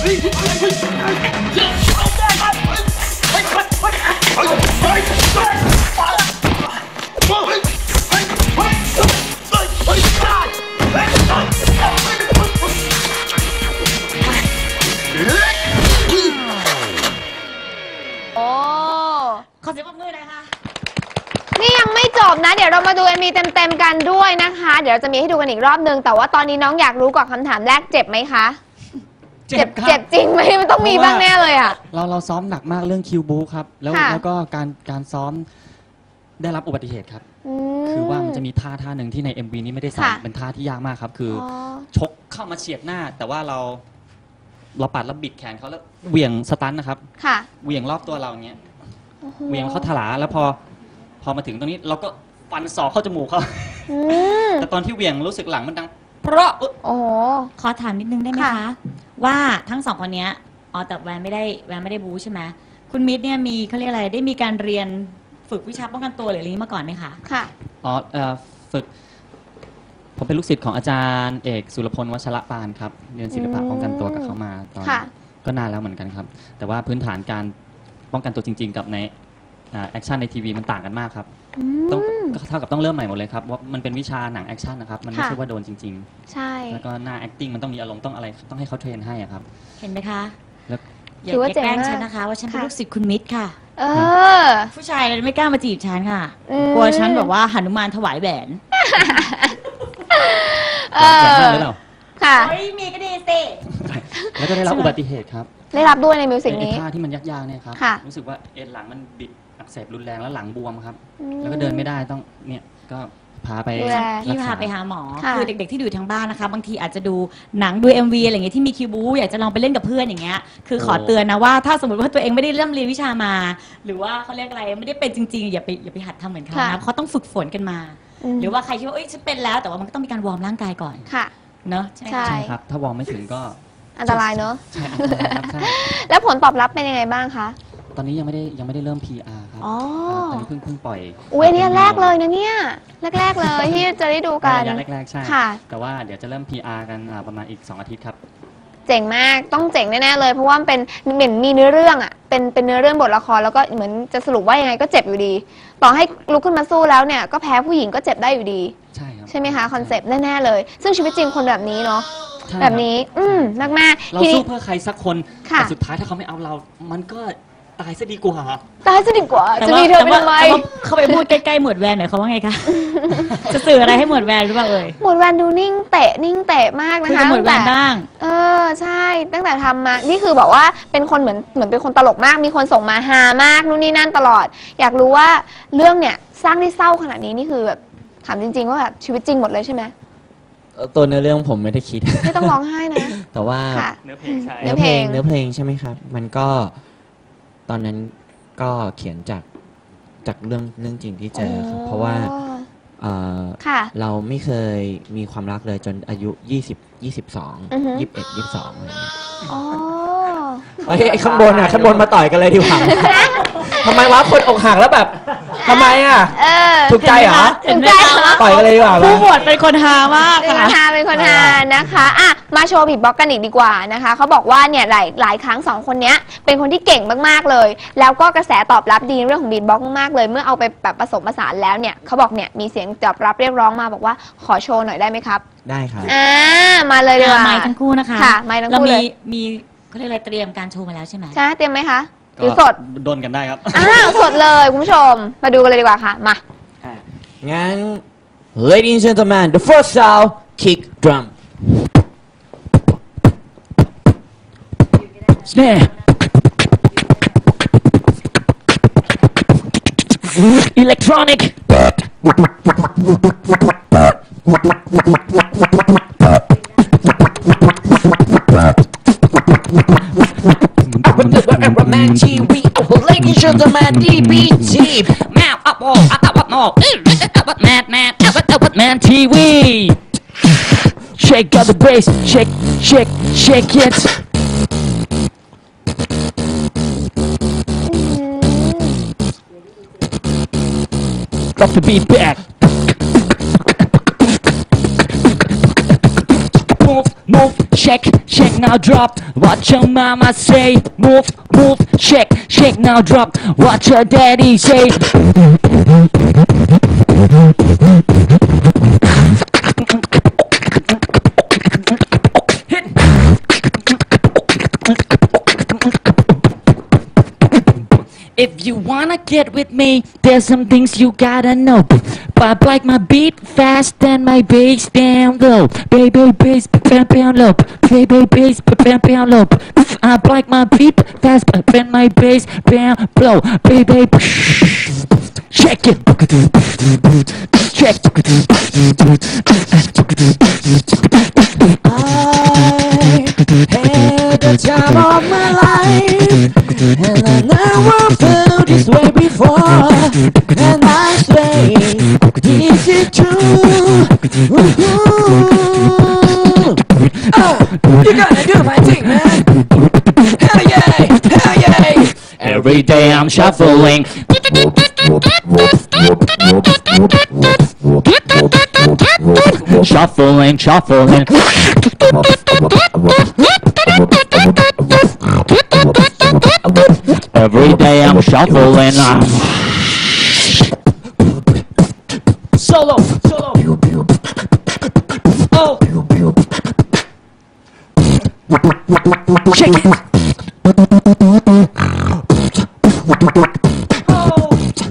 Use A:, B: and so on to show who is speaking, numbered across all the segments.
A: ขอเสียงปรบมือหน่อยค่ะ
B: นี่ยังไม่จบนะเดี๋ยวเรามาดูMVเต็มๆกันด้วยนะคะเดี๋ยวเราจะมีให้ดูกันอีกรอบนึงแต่ว่าตอนนี้น้องอยากรู้ก่อนคำถามแรกเจ็บไหมคะเจ็บจริงไหมมันต้องมีบ้างแน่เลยอ่ะ
C: เราซ้อมหนักมากเรื่องคิวบูครับแล้วก็การซ้อมได้รับอุบัติเหตุครับคือว่ามันจะมีท่าหนึ่งที่ใน MV นี้ไม่ได้ใส่เป็นท่าที่ยากมากครับคือชกเข้ามาเฉียดหน้าแต่ว่าเราปัดแล้วบิดแขนเขาแล้วเหวี่ยงสตันนะครับเหวี่ยงรอบตัวเราอย่างเงี้ยเหวี่ยงเขาถลาแล้วพอมาถึงตรงนี้เราก็ฟันศอกเข้าจมูกเขาแต่ตอนที่เหวี่ยงรู้สึกหลังมันดังเพราะ
A: ขอถามนิดนึงได้ไหมคะว่าทั้งสองคนนี้แต่แวนไม่ได้บู๊ใช่ไหมคุณมิตรเนี่ยมีเขาเรียกอะไรได้มีการเรียนฝึกวิชาป้องกันตัวหรืออะไรมาก่อนไหมคะ
B: ค่ะ
C: ฝึกผมเป็นลูกศิษย์ของอาจารย์เอกสุรพลวัชระปานครับเรียนศิลปะป้องกันตัวกับเขามาตอนก็นานแล้วเหมือนกันครับแต่ว่าพื้นฐานการป้องกันตัวจริงๆกับในแอคชั่นในทีวีมันต่างกันมากครับต้องเท่ากับต้องเริ่มใหม่หมดเลยครับว่ามันเป็นวิชาหนังแอคชั่นนะครับมันไม่ใช่ว่าโดนจริง
B: ๆใช่
C: แล้วก็หน้า acting มันต้องมีอารมณ์ต้องอะไรต้องให้เขาเทรนให้ครับ
A: เห็นไหมคะอย่าแกล้งฉันนะคะว่าฉันเป็นลูกศิษย์คุณมิตรค่ะผู้ชายเลยไม่กล้ามาจีบฉันค่ะกลัวฉันแบบว่าหนุมานถวายแหวน
B: ค่ะ
A: มีก็ดีสิ
C: แล้วก็ได้รับอุบัติเหตุครับ
B: ได้รับด้วยในมิวสิกนี้
C: ท่าที่มันยากๆเนี่ยครับรู้สึกว่าเอ็นหลังมันบิดอักเสบรุนแรงแล้วหลังบวมครับแล้วก็เดินไม่ได้ต้องเนี่ยก็พาไป
A: พี่พาไปหาหมอคือเด็กๆที่ดูทางบ้านนะคะบางทีอาจจะดูหนังดู MV อะไรอย่างเงี้ยที่มีคิวบูอยากจะลองไปเล่นกับเพื่อนอย่างเงี้ยคือขอเตือนนะว่าถ้าสมมติว่าตัวเองไม่ได้เริ่มเรียนวิชามาหรือว่าเขาเรียกอะไรไม่ได้เป็นจริงๆอย่าไปหัดทำเหมือนเขานะเขาต้องฝึกฝนกันมาหรือว่าใครคิดว่าฉันเป็นแล้วแต่ว่ามันก็ต้องมีการวอร์มร่างกายก่อนเนอะ
C: ใช่ครับถ้าวอร์มไม่ถึงก็
B: อันตรายเนอะแล้วผลตอบรับเป็นยังไงบ้างคะ
C: ตอนนี้ยังไม่ได้เริ่ม PR ครับตอนนี้เพิ่งปล่อย
B: เนี่ยแรกเลยนะเนี่ยแรกเลยที่จะได้ดูกัน
C: แรกใช่แต่ว่าเดี๋ยวจะเริ่ม PR กันประมาณอีก2 อาทิตย์ครับ
B: เจ๋งมากต้องเจ๋งแน่ๆเลยเพราะว่าเป็นเหมือนมีเนื้อเรื่องอ่ะเป็นเนื้อเรื่องบทละครแล้วก็เหมือนจะสรุปว่ายังไงก็เจ็บอยู่ดีต่อให้ลุกขึ้นมาสู้แล้วเนี่ยก็แพ้ผู้หญิงก็เจ็บได้อยู่ดี
C: ใช่ครับ
B: ใช่ไหมคะคอนเซปต์แน่ๆเลยซึ่งชีวิตจริงคนแบบนี้เนาะแบบนี้มาก
C: ๆเราสู้เพื่อใครสักคนแต่สุดท้ายถ้าเขาไม่เอาเรามันก็ตายซะดีกว่า
B: จะมีเธอไปทำไม
A: เขาไปพูดใกล้ๆหมวดแวนหน่อยเขาว่าไงคะจะสื่ออะไรให้หมวดแวนหรือเปล่า
B: หมวดแวนดูนิ่งเตะมากนะคะ
A: หมวดแวนบ้าง
B: ใช่ตั้งแต่ทำมานี่คือบอกว่าเป็นคนเหมือนเป็นคนตลกมากมีคนส่งมาฮามากนู่นนี่นั่นตลอดอยากรู้ว่าเรื่องเนี่ยสร้างได้เศร้าขนาดนี้นี่คือแบบถามจริงๆว่าแบบชีวิตจริงหมดเลยใช่ไหม
D: ตัวเนื้อเรื่องผมไม่ได้คิด
B: ไม่ต้องร้องไห้นะ
D: แต่ว่า
C: เนื้อเพลง
D: ใช่ไหมครับมันก็ตอนนั้นก็เขียนจากเรื่องจริงที่เจอครับเพราะว่าเราไม่เคยมีความรักเลยจนอายุ20 22 21 22อะไรอย่างเงี้ยข้างบนมาต่อยกันเลยดีกว่าทำไมวะคนอกหักแล้วแบบทำไมอ่ะถูกใจเหรอต่อยกันเลยดีกว่า
A: ผู้บวชเป็นคนฮามาก
B: ค่ะเป็นคนฮานะคะมาโชว์บีทบ็อกซ์กันอีกดีกว่านะคะเขาบอกว่าเนี่ยหลายครั้ง2 คนนี้เป็นคนที่เก่งมากๆเลยแล้วก็กระแสตอบรับดีเรื่องของบีทบ็อกซ์มากเลยเมื่อเอาไปแบบผสมผสานแล้วเนี่ยเขาบอกเนี่ยมีเสียงตอบรับเรียกร้องมาบอกว่าขอโชว์หน่อยได้ไหมครับ
D: ได้ครับ
B: มาเลยดีกว่า
A: ไมค์ทั้งคู่นะคะ
B: ไมค์ทั้งคู่เลย
A: มีเขาเรียกอะไรเตรียมการโชว์มาแล้วใช่ไหม
B: ใช่เตรียมไหมคะหรือสด
C: โดนกันได้ครับ
B: สดเลยคุณผู้ชมมาดูกันเลยดีกว่าค่ะมา
D: งั้น Ladies and gentlemen the first sound kick drum
C: snare electronic
D: Man TV Ladies and gentlemen DBT
C: Man up all up no Man TV Shake out the bass shake it Drop the beat back move shake, shake now drop. What your mama say? Move, move, shake, shake now drop. What your daddy say? If you wanna get with me, there's some things you gotta know. But like my beat fast and my bass down low. Baby bass down low. Baby bass down low. I like my beat fast and my bass down low. Baby shake it. Shake. I had the time of my life, and I never felt this way before. And I say, is it true? You gotta do my thing, man. Hell yeah, hell yeah. Every day I'm shuffling. Shuffling, shuffling. Every day I'm shuffling. Solo, solo. Oh. Shake it. Oh.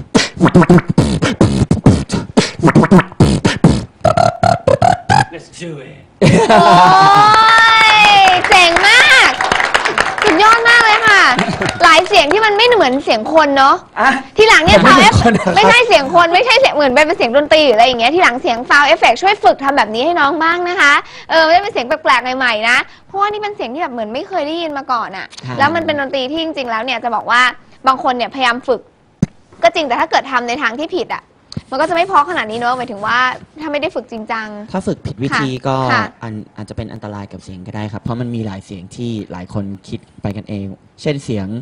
C: Let's do it.
B: โอ้ยเจ๋งมากสุดยอดมากเลยค่ะ หลายเสียงที่มันไม่เหมือนเสียงคนเนาะทีหลังเนี่ยฟาวเอฟไม่ใช่เสียงคนไม่ใช่เสียงเหมือนเป็นเสียงดนตรีหรืออะไรอย่างเงี้ยทีหลังเสียงฟาวเอฟเฟกช่วยฝึกทำแบบนี้ให้น้องบ้างนะคะไม่ได้เป็นเสียงแปลกๆใหม่ๆนะเพราะว่านี่เป็นเสียงที่แบบเหมือนไม่เคยได้ยินมาก่อนอะแล้วมันเป็นดนตรีที่จริงๆแล้วเนี่ยจะบอกว่าบางคนเนี่ยพยายามฝึกก็จริงแต่ถ้าเกิดทำในทางที่ผิดอะมันก็จะไม่เพราะขนาดนี้เนอะหมายถึงว่าถ้าไม่ได้ฝึกจริงจัง
D: ถ้าฝึกผิดวิธีก็อาจจะเป็นอันตรายกับเสียงก็ได้ครับเพราะมันมีหลายเสียงที่หลายคนคิดไปกันเองเช่นเสียง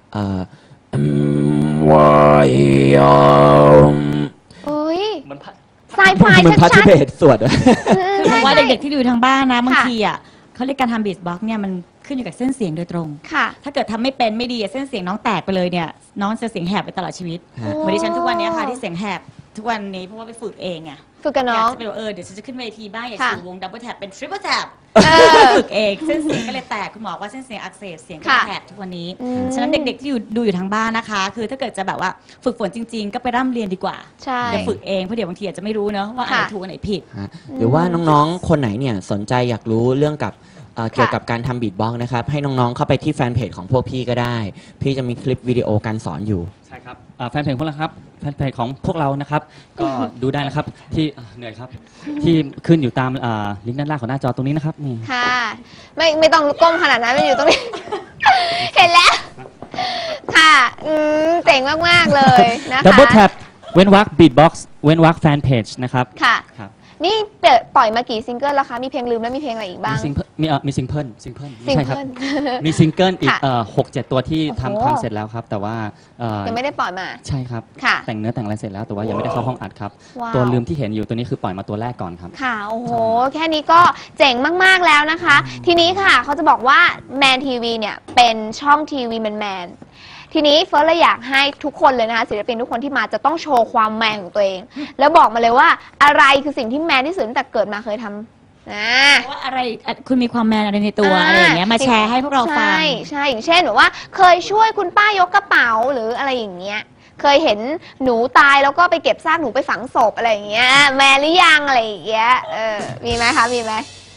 B: ไซไฟ
D: มันพัชเบสสวด
A: เพราะว่าเด็กๆที่อยู่ทางบ้านนะบางทีอ่ะเขาเรียกการทำบีทบ็อกซ์เนี่ยมันขึ้นอยู่กับเส้นเสียงโดยตรงถ้าเกิดทำไม่เป็นไม่ดีเส้นเสียงน้องแตกไปเลยเนี่ยน้องจะเสียงแหบไปตลอดชีวิตเหมือนดิฉันทุกวันนี้ค่ะที่เสียงแหบทุกวันนี้เพราะว่าไปฝึกเองอ่ะ
B: ฝึกกับน้อง
A: จะไปเดี๋ยวฉันจะขึ้นเวทีบ้างอยากสู่วงดับเบิลแท็บเป็นทริปเปิลแท็บฝึกเองเส้นเสียงก็เลยแตกคุณหมอว่าเส้นเสียงอักเสบเสียงก็แหบทุกวันนี้ฉะนั้นเด็กๆที่ดูอยู่ทางบ้านนะคะคือถ้าเกิดจะแบบว่าฝึกฝนจริงๆก็ไปร่ำเรียนดีกว่าอย่าฝึกเองเพราะเดี๋ยวบางทีอาจจะไม่รู้เนอะว่าอันไหนถูกอันไหนผิด
D: หรือว่าน้องๆคนไหนเนี่ยสนใจอยากรู้เรื่องกับเกี่ยวกับการทำบีทบ็อกซ์นะครับให้น้องๆเข้าไปที่แฟนเพจของพวกพี่ก็ได้พี่จะมีคลิปวิดีโอการสอนอยู่
C: ใช่ครับแฟนเพจพวกเราครับแฟนเพจของพวกเรานะครับก็ดูได้นะครับที่เหนื่อยครับที่ขึ้นอยู่ตามลิงก์ด้านล่างของหน้าจอตรงนี้นะครับนี่
B: ค่ะไม่ต้องก้มขนาดนั้นมันอยู่ตรงนี้ เห็นแล้วค่ะเจ๋งมากๆเลยนะคะ
C: Double Tap เว้นวรรคบีทบ็อกซ์เว้นวรรคแฟนเพจนะครับ
B: ค่ะนี่ปล่อยมากี่ซิงเกิลแล้วคะมีเพลงลืมแล้วมีเพลงอะไรอีกบ้าง
C: มีซิงเกิลใช่ครับมีซิงเกิลอีก6-7 ตัวที่ทำเสร็จแล้วครับแต่ว่า
B: ยังไม่ได้ปล่อยมา
C: ใช่ครับแต่งเนื้อแต่งอะไรเสร็จแล้วแต่ว่ายังไม่ได้เข้าห้องอัดครับตัวลืมที่เห็นอยู่ตัวนี้คือปล่อยมาตัวแรกก่อนครับ
B: ค่ะโอ้โหแค่นี้ก็เจ๋งมากๆแล้วนะคะทีนี้ค่ะเขาจะบอกว่าแมนทีวีเนี่ยเป็นช่องทีวีแมนทีนี้เฟิร์สเลยอยากให้ทุกคนเลยนะคะศิลปินทุกคนที่มาจะต้องโชว์ความแมนของตัวเองแล้วบอกมาเลยว่าอะไรคือสิ่งที่แมนที่สุดตั้งแต่เกิดมาเคยทำ
A: ว่าอะไรคุณมีความแมนอะไรในตัวอะไรอย่างเงี้ยมาแชร์ให้พวกเราฟัง
B: ใช่อย่างเช่นแบบว่าเคยช่วยคุณป้ายกกระเป๋าหรืออะไรอย่างเงี้ยเคยเห็นหนูตายแล้วก็ไปเก็บซากหนูไปฝังศพอะไรอย่างเงี้ยแมนหรือยังอะไรอย่างเงี้ยมีไหมคะมีไหม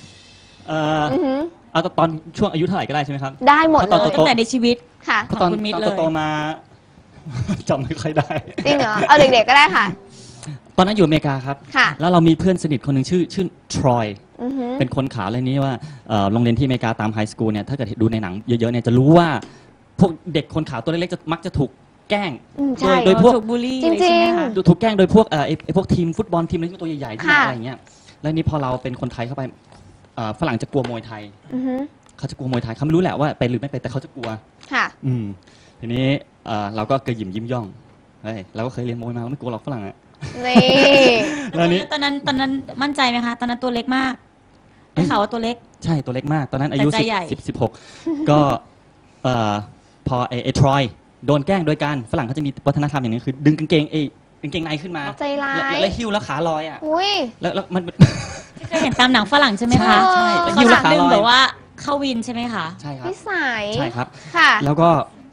C: เอาตอนช่วงอายุเท่าไหร่ก็ได้ใช่ไหมครับ
B: ได้หมดเลย
A: ตั้งแต่ในชีวิต
B: ค่ะ
C: ตอนโตมาจำไม่ค่อยได้
B: จริงเหรอเอาเด็กๆก็ได้ค่ะ
C: ตอนนั้นอยู่อเมริกาครับแล้วเรามีเพื่อนสนิทคนหนึ่งชื่อทรอยเป็นคนขาวเลยนี้ว่าโรงเรียนที่อเมริกาตามไฮสคูลเนี่ยถ้าเกิดดูในหนังเยอะๆเนี่ยจะรู้ว่าพวกเด็กคนขาวตัวเล็กๆจะมักจะถูกแกล้งโดยพวก
A: บูลลี่
B: จริง
C: ๆถูกแกล้งโดยพวกพวกทีมฟุตบอลทีมอะไรตัวใหญ่ๆที่อะไรเงี้ยแล้วนี่พอเราเป็นคนไทยเข้าไปฝรั่งจะกลัวมวยไทยเขาจะกลัวมวยไทยเขาไม่รู้แหละว่าไปหรือไม่ไปแต่เขาจะกลัว
B: ค่ะ
C: ทีนี้เราก็เคยยิ้มย่องเฮ้ยเราก็เคยเรียนมวยมาไม่กลัวหรอกฝรั่งอะ
B: นี่
A: แล้วนี้ตอนนั้นมั่นใจไหมคะตอนนั้นตัวเล็กมากได้ข่าวว่าตัวเล็ก
C: ใช่ตัวเล็กมากตอนนั้นอายุ
A: แต่ใจใหญ่
C: 16ก็พอไอ้ทรอยโดนแกล้งโดยการฝรั่งเขาจะมีวัฒนธรรมอย่างนึงคือดึงกางเกงในขึ้นมา
B: ใจร้าย
C: แล้วหิ้วแล้วขาลอยอ่ะ
B: อุ้ย
C: แล้วมัน
A: เคยเห็นตามหนังฝรั่งใช่ไหมคะ
C: ใช่
A: แล้ว
C: หิ้ว
A: เขา
C: แล้วขา
A: ดึง
C: ลอย
A: แบบว่าเข้าวินใช่ไหมคะ
C: ใช่ครับ
B: นิสัย
C: ใช่ครับ
B: ค่ะ
C: แล้วก็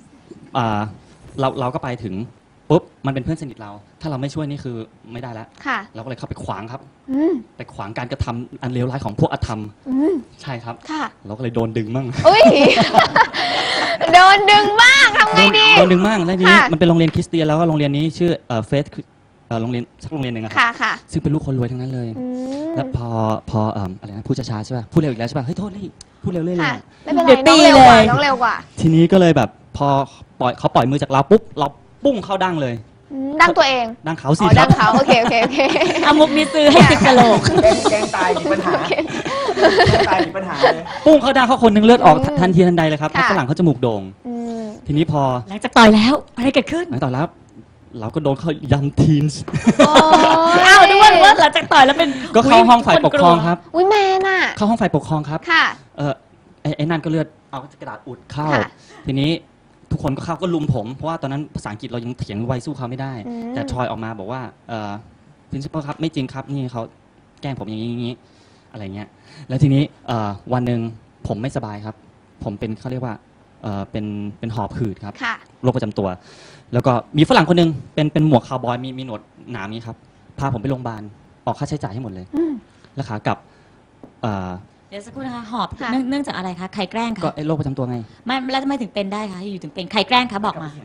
C: เราก็ไปถึงปุ๊บมันเป็นเพื่อนสนิทเรา ถ้าเราไม่ช่วยนี่คือไม่ได้แล้ว
B: ค่ะ
C: เราก็เลยเข้าไปขวางครับ
B: อืม
C: ไปขวางการกระทำอันเลวร้ายของพวกอธรรม
B: อืม
C: ใช่ครับ
B: ค่ะ
C: เราก็เลยโดนดึงมั่ง
B: อุ้ย โดนดึงบ้างทำไงดี
C: โดนดึงมั่งแล้วทีนี้
B: ค่ะ
C: มันเป็นโรงเรียนคริสเตียนแล้วก็โรงเรียนนี้ชื่อเฟสโรงเรียนสักโรงเรียนหนึ่งอะค
B: ค่ะ
C: รับ
B: ค่ะ
C: ซึ่งเป็นลูกคนรวยทั้งนั้นเลย
B: อืม
C: แล้วพออะไรนะพูดช้าๆใช่ป่ะพูดเร็วอีกแล้วใช่ป่ะเฮ้ยโทษนี่พูดเร็วเรื่อยๆ
B: ค่ะ
C: อะ
B: ไม่เป็นไร
A: เดี๋ยว
B: น้อง
A: ตี
B: เร็วกว่า
A: เลย
B: น้องเร็วกว่า
C: ทีนี้ก็เลยแบบพอเขาปล่อยมือจากเราปุ๊บเราปุ้งเข้าดั้งเลย
B: อืมดังตัวเอง
C: ดั้งเขา
B: อ๋
C: สิ
B: อ
C: ค
B: ดั
C: รั
B: ง
C: บ
B: เขาโอเคโอเคโอเค
A: เอามุกนี้ซื้อให้ติดกะโหลก
E: แกงตายมีปัญหาแกงตายมีปัญหาเลย
C: ปุ้งเข้าดั้งเขาคนหนึงเลือดออก
B: อืม
C: ทันทีทันใดเลยครับ
B: ค่ะ
C: เพราะฝรั่งเขาจมูกโด่ง
B: อืม
C: ทีนี้พอ
A: หลังจากต่อยแล้วอะไรเกิดขึ้น
C: หลังต่อแล้วเราก็โดนเขายำทีนส์
B: โอ้
A: อ้าวนึกว่าหลังจากต่อยแล้วเป็น
C: ก็เข้าห้องฝ่ายปกครองครับ
B: อุ้ยแมนอ่ะ
C: เข้าห้องฝ่ายปกครองครับ
B: ค่ะ
C: ไอ้นั่นก็เลือดเอากระดาษอุดเข้า
B: ค่ะ
C: ทีนี้ทุกคนก็เข้าก็ลุมผมเพราะว่าตอนนั้นภาษาอังกฤษเรายังเถียงไวสู้เขาไม่ได้
B: อืม
C: แต่ทรอยออกมาบอกว่าprincipal ครับไม่จริงครับนี่เขาแกล้งผมอย่างนี้อะไรเงี้ยแล้วทีนี้วันหนึ่งผมไม่สบายครับ ผมเป็นเขาเรียกว่าเป็นหอบหืดครับ
B: ค่ะ
C: โรคประจำตัว แล้วก็มีฝรั่งคนหนึงเป็นหมวกคาวบอยมีหนวดหนามนี้ครับพาผมไปโรงพยาบาลออกค่าใช้จ่ายให้หมดเลย
B: อืม
C: แล้วขากลับเอ่อ
A: เดี๋ยวสักครู่นะคะหอบ
B: ค่ะ
A: เนื่องจากอะไรคะใครแกล้ง
C: ก็
A: คะ
C: ไอ้โรคประจำตัวไง
A: ไม่แล้วทำไมถึงเป็นได้คะอยู่ถึงเป็นใครแกล้งคะบอกมา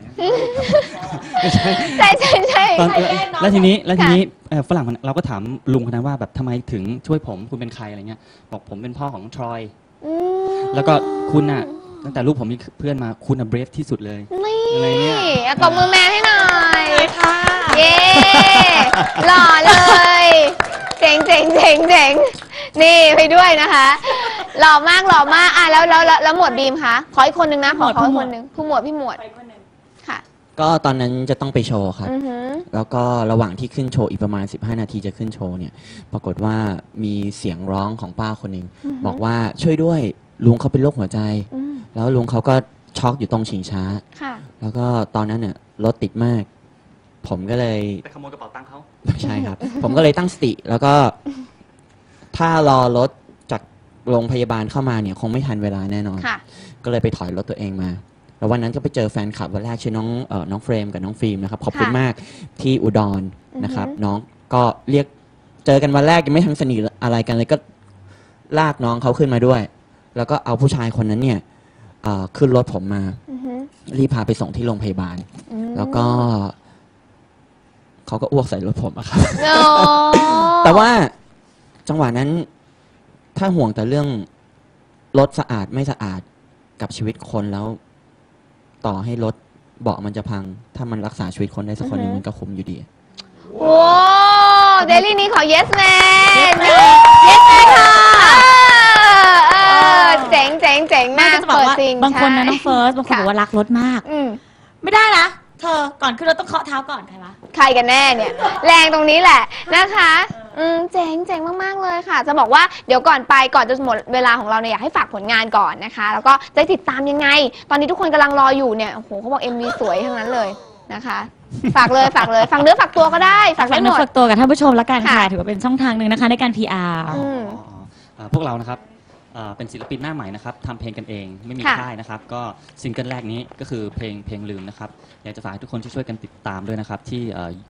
B: ใช่ใช่ใช่
C: ตอน
B: ใครแกล้งน้อง
C: แล้วทีนี้
B: ค่ะ
C: ฝรั่งเราก็ถามลุงคนนั้นว่าแบบทำไมถึงช่วยผมคุณเป็นใครอะไรเงี้ยบอกผมเป็นพ่อของทรอย
B: อืม
C: แล้วก็คุณน่ะตั้งแต่ลูกผมมีเพื่อนมาคุณน่ะเบรฟที่สุดเลย
B: นี่
C: อะไรเนี่ย
B: เอาตบมือแมนให้หน่อย
A: ค่ะ
B: เย้หล่อเลยเจ๋งเจ๋งเจ๋งเจ๋งนี่ไปด้วยนะคะหล่อมากหล่อมากอ่ะแล้วหมวดบีมคะขออีกคนนึงนะขออีกคนนึงผู้หมวดพี่หมวด
A: ไปคนหนึ่ง
B: ค่ะ
D: ก็ตอนนั้นจะต้องไปโชว์ครับ
B: อือหือ
D: แล้วก็ระหว่างที่ขึ้นโชว์อีกประมาณ 15 นาทีจะขึ้นโชว์เนี่ย ปรากฏว่ามีเสียงร้องของป้าคนหนึ่งบอกว่าช่วยด้วยลุงเขาเป็นโรคหัวใจ
B: อืม
D: แล้วลุงเขาก็ช็อกอยู่ตรงชิงช้า
B: ค่ะ
D: แล้วก็ตอนนั้นเนี่ยรถติดมาก ผมก็เลย
C: ไปขโมยกระเป๋าตังค์เขา
D: ไม่ใช่ครับ ผมก็เลยตั้งสติ แล้วก็ถ้ารอรถจากโรงพยาบาลเข้ามาเนี่ยคงไม่ทันเวลาแน่นอน
B: ค่ะ
D: ก็เลยไปถอยรถตัวเองมา แล้ววันนั้นก็ไปเจอแฟนคลับวันแรกชื่อน้องเฟรมกับน้องฟิล์มนะครับขอบคุณ
B: ค่ะ
D: มากที่อุดรนะครับ
B: อือฮึ
D: น้องก็เรียกเจอกันวันแรกยังไม่ทันสนิทอะไรกันเลยก็ลากน้องเขาขึ้นมาด้วย แล้วก็เอาผู้ชายคนนั้นเนี่ยขึ้นรถผมมา
B: อือหือ
D: รีบพาไปส่งที่โรงพยาบาล
B: อืม
D: แล้วก็เขาก็อ้วกใส่รถผมอะครับ
B: โอ้
D: แต่ว่าจังหวะนั้นถ้าห่วงแต่เรื่องรถสะอาดไม่สะอาดกับชีวิตคนแล้ว ต่อให้รถเบาะมันจะพัง ถ้ามันรักษาชีวิตคนได้สักคนหนึงมันก็คุ้มอยู่ดี
B: โอ้เดลี่นี้ขอ yes man yes man ค่ะเออเจ๋งเจ๋งเจ๋ง
A: แม่
B: มาก
A: ก็จะบอก
B: เปิด
A: ว่า
B: จริง
A: บางคนนะ
B: ใช่
A: น้องเฟิร์สบางคน
B: ค่ะ
A: บอกว่ารักรถมาก
B: อืม
A: ไม่ได้นะเธอก่อนขึ้นรถต้องเคาะเท้าก่อนใครวะ
B: ใครกันแน่เนี่ย แรงตรงนี้แหละนะคะเจ๋งเจ๋งมากๆเลยค่ะ จะบอกว่าเดี๋ยวก่อนไปก่อนจะหมดเวลาของเราเนี่ยอยากให้ฝากผลงานก่อนนะคะ แล้วก็จะติดตามยังไง ตอนนี้ทุกคนกำลังรออยู่เนี่ยโอ้โหเขาบอก MV สวยทั้งนั้นเลยนะคะ ฝากเลยฝากเลยฝากเนื้อฝากตัวก็ได้ฝาก
A: ฝาก
B: ได้ห
A: เนื้
B: ม
A: อ
B: ด
A: ฝากตัวกับท่านผู้ชมละกันค่ะ
B: ค่ะ
A: ถือว่าเป็นช่องทางหนึ่งนะคะในการ PR
B: อืม
C: พวกเรานะครับเป็นศิลปินหน้าใหม่นะครับทำเพลงกันเองไม่มี
B: ค่ะ
C: ค่ายนะครับก็ซิงเกิลแรกนี้ก็คือเพลงลืมนะครับอยากจะฝากให้ทุกคนช่วยกันติดตามด้วยนะครับที่